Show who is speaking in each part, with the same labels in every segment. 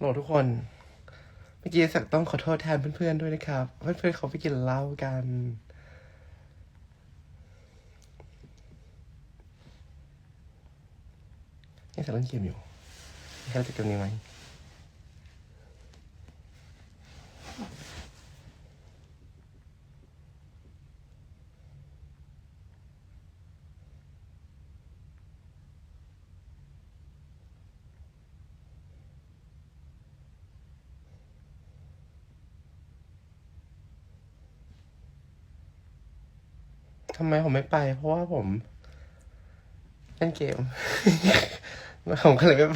Speaker 1: โหลทุกคนเมื่อกี้สักต้องขอโทษแทนเพื่อนๆด้วยนะครับเพื่อนๆเขาไปกินเหล้ากันนี่สักเล่นเกมอยู่ใครจะเกมนี้ไหมทำไมผมไม่ไปเพราะว่าผมเล่นเกม ผมก็เลยไม่ไป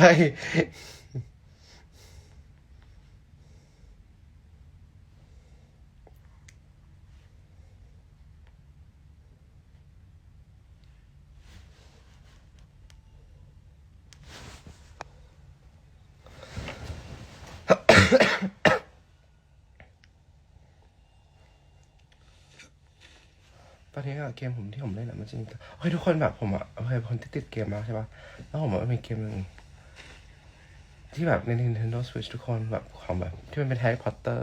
Speaker 1: ตอนนี้เกมผมที่ผมเล่นมันจะมีเฮ้ยทุกคนแบบผมเคยคนที่ติดเกมมากใช่ปะแล้วผมมีเกมหนึ่งที่แบบใน Nintendo Switch ทุกคนแบบของแบบที่มันเป็น Harry Potter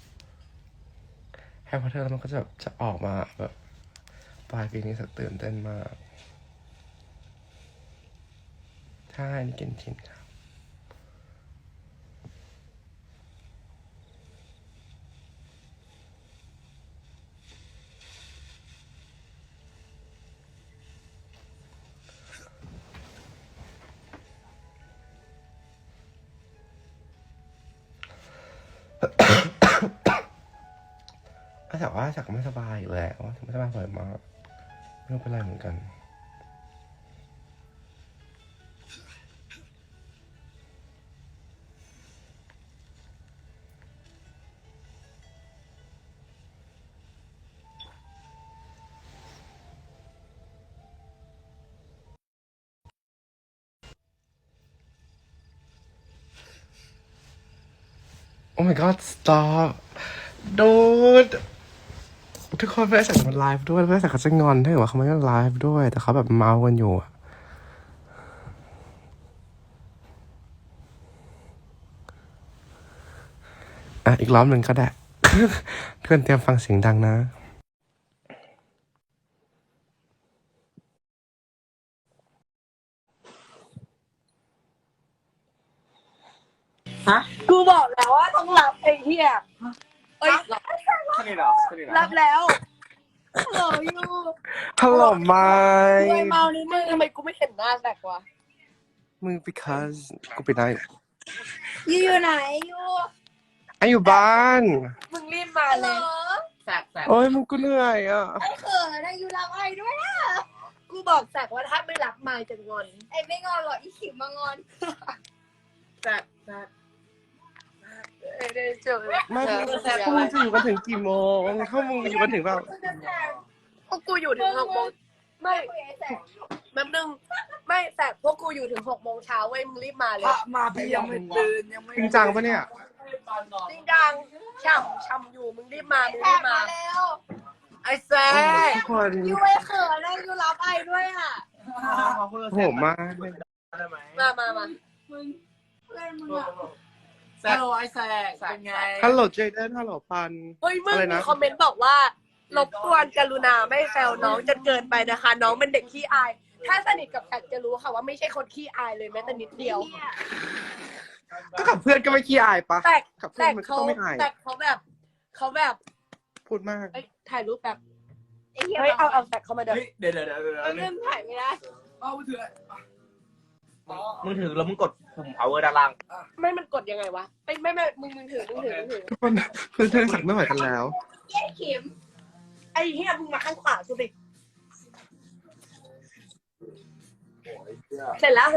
Speaker 1: แล้วมันก็จะแบบจะออกมาแบบปลายปีนี้สักตื่นเต้นมากใช่นี่เกนชินครับแต่ว่าสักไม่สบายอยู่แล้วไม่สบายบ่อยมากไม่รู้เป็นไรเหมือนกันโอ้ my god stop dude ทุกคนเพื่อนสักมันไลฟ์ด้วยเพื่อนสักเขาจะงอนถ้าเกิดว่าเขาไม่ได้ไลฟ์ด้วยแต่เขาแบบเมากันอยู่อีกรอบหนึ่งก็ได้ เพื่อนเตรียมฟังเสียงดังนะ
Speaker 2: ฮะกูบอกแล้วว่าต้องรับไอ้เหี้ยเอ้ยรับรับแล้วฮัลโหลยู
Speaker 1: ฮัลโหลไม
Speaker 2: รวยเมานิดนึงทำไมกูไม่เห็นหน้าแตกวะ
Speaker 1: มึง because กูไปไหน
Speaker 2: ยูอยู่ไหนยู
Speaker 1: อยู่บ้าน
Speaker 2: มึงรีบมาเลยแสก
Speaker 1: โอ้ยมึงกูเหนื่อย
Speaker 2: ไอ้เขินนะยูรับไอ้ด้วยนะกูบอกแสกว่าถ้าไม่รับมาจะงอนไอ้ไม่งอนหรอกอีขิมมางอนแสกได้เจอ
Speaker 1: ไม่พวกมึงจะอยู่กันถึงกี่โมงถ้ามึงอยู่กันถึงแบบ
Speaker 2: พวกกูอยู่ถึง6 โมงไม่แป๊บนึงไม่แสกพวกกูอยู่ถึง6 โมงเช้าเว้ยมึงรีบมาเลย
Speaker 3: มาพี่ยังไม่ตื่นยังไม่
Speaker 1: จริงจังปะเนี่ย
Speaker 2: จริงจังช่ำอยู่มึงรีบมาแล้วไอ้แซก
Speaker 1: ทุกคน
Speaker 2: ยูไอ้เขินนะยูรับไอ้ด้วยอ่ะ
Speaker 1: โหมาก
Speaker 2: มา
Speaker 3: ฮัลโหลไอ้แซกเป็นไง
Speaker 1: ฮัลโหลเจเดนฮัลโหลปัน
Speaker 2: เฮ้ยมึงมีคอมเมนต์บอกว่ารบกวนกรุณาไม่แซวน้องจนเกินไปนะคะน้องเป็นเด็กขี้อายถ้าสนิทกับแซกจะรู้ค่ะว่าไม่ใช่คนขี้อายเลยแม้แต่นิดเดียว
Speaker 1: ก็กับเพื่อนก็ไม่ขี้อายปะกับเพื่อนมันก็ต้องไม่อาย
Speaker 2: แต่เขาแบบ
Speaker 1: พูดมาก
Speaker 2: ถ่ายรูปแบบเฮ้ยเอาแซกเข้ามาเดี๋ยว
Speaker 3: เดี๋ยว
Speaker 2: เริ่มถ่ายไม่ได้
Speaker 3: เอามือถือ
Speaker 4: มึงถือแล้วมึงกดปุ่ม power ด้านล่าง
Speaker 2: ไม่มันกดยังไงวะไม่มึงถือ
Speaker 1: ทุกคนเพื่อนสั่งไม่ไหวกันแล้ว
Speaker 2: เย้เข็มไอ้เหี้ยมึงมาข้างขวาสุดดิเสร็จแล้ว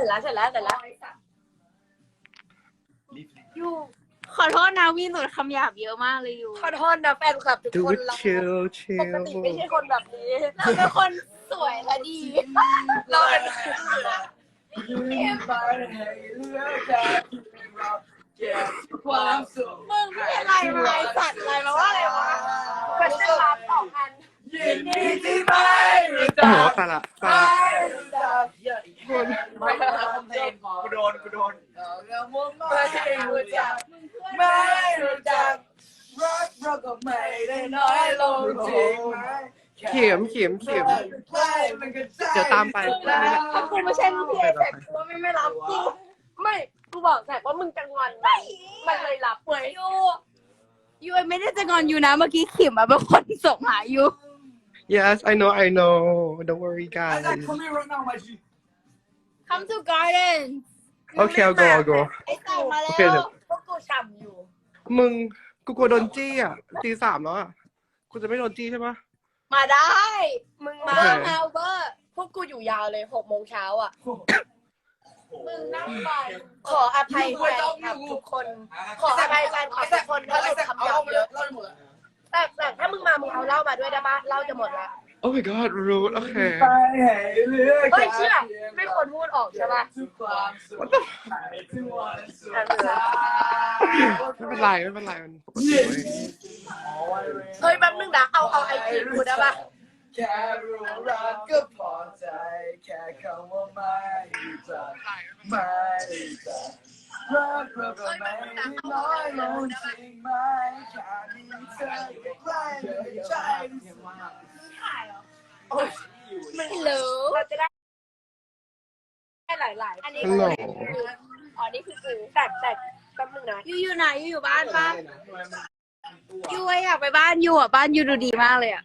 Speaker 5: ยูขอโทษนะวีหนูคำหยาบเยอะมากเลยยู
Speaker 2: ขอโทษนะแฟนคลับทุกคนเราปกติไม่ใช่คนแบบนี้เราเป็นคนสวยและดีเราเป็น
Speaker 3: ความสุข
Speaker 2: มึงไม่อะไรมาสัตว์อะไรมาว่าอะไรวะก็จะรับ2,000
Speaker 3: ยินดีที่ไม่รู้
Speaker 1: โอ้
Speaker 3: จั
Speaker 1: โห
Speaker 3: ก
Speaker 1: ตาละคน
Speaker 3: ไม่คอมเพลนพอ
Speaker 4: กูโดน
Speaker 3: ไม่รู้จักไม่รู้จักรักเราก็ไม่ได้น้อยลงจริงไหม
Speaker 1: เข็มเดี๋ยวตามไป
Speaker 2: ถ้ากูไม่ใช่ลูกพี่ไอ้แซกกูว่าไม่รับกูไม่กูบอกแซกว่ามึงจะงอนมันเลยรับเว้ย
Speaker 5: ยูไม่ได้จะงอนยูนะเมื่อกี้ขิมอะเป็นคนส่งหายู
Speaker 1: yes I know don't worry guys
Speaker 3: Come here right now my G
Speaker 5: Come to garden
Speaker 1: okay I'll go
Speaker 5: ไอ้สั่งมา
Speaker 1: โอ
Speaker 5: แล้
Speaker 1: เคเดี๋ยว
Speaker 5: ว
Speaker 2: พวกกูฉ่ำอยู่
Speaker 1: มึงกูกลัวโดนจี้อ่ะตี 3แล้วอ่ะกูจะไม่โดนจี้ใช่ปะ
Speaker 5: มาได้
Speaker 2: มึงมา
Speaker 1: โอเค
Speaker 2: เอาเบอร์พวกกูอยู่ยาวเลย6 โมงเช้าอ่ะ มึงนั่งไปขออภัยแฟนคลับทุกคน ขออภัยแฟนคลับทุกคนถ้าหลุดคำหยาบเยอะ แต่ถ้ามึงมามึงเอาเหล้ามาด้วยได้ปะเหล้าจะหมดละ
Speaker 1: oh my god รู้โอเค
Speaker 3: ไปให้เลือก
Speaker 2: เฮ้ยเชื่อไม่ควรพูดออกใช่ปะ
Speaker 3: ทุกความสุขทุกวันสุข
Speaker 1: ไม่เป็นไรมันปกติเว้ย
Speaker 2: เฮ้ยแป๊บนึงนะเอาไอจีกูได้ปะ
Speaker 3: แค่รู้รักก็พอใจแค่คำว่าไม่รู้จักไม่รู้จักรักเราก็ไม่ได้น้อยลงจริงไหมแค่มีเธออยู่ใกล้เลยใจรู้สึก
Speaker 2: ไม่รู้เราจะได้หลายๆ
Speaker 5: อันนี้
Speaker 1: ฮัลโหล
Speaker 5: อ๋อนี่คือกู
Speaker 2: แต่แป๊บนึงนะ
Speaker 5: ยูอยู่ไหนยูอยู่บ้านปะยูอยากไปบ้านยูอ่ะบ้านยูดูดีมากเลยอ่ะ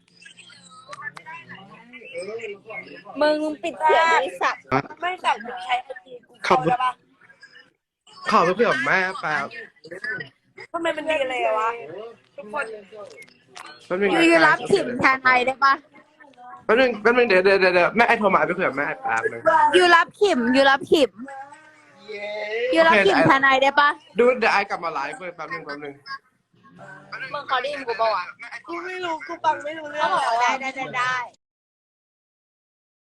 Speaker 5: มึงปิดเสียงบริษัท
Speaker 2: ไม่แต่มึงใช้ไอจีกู
Speaker 1: ขับ
Speaker 2: ได้ปะ
Speaker 1: ขอไปคุยกับแม่แป๊บ
Speaker 2: ทำไมมันดีเลยวะทุกคน
Speaker 1: แป๊บนึง
Speaker 5: ยูรับขิมแทนไอได้ปะ
Speaker 1: แป๊บนึงเดี๋ยวแม่ไอ้โทรมาไปคุยกับแม่แป๊บนึง
Speaker 5: ยูรับขิมยูรับขิมแทนไอได้ปะ
Speaker 1: ดูเดี๋ยวไอ้กลับมาไลฟ์เว้ยแป๊บนึง
Speaker 5: มึงเขาได้ยินกูปะวะ
Speaker 2: กูไม่รู้กูฟังไม่รู้เรื่อ
Speaker 5: เขา
Speaker 2: ง
Speaker 5: บอก
Speaker 2: แล้ว
Speaker 5: ว่า
Speaker 2: อะ
Speaker 5: ได้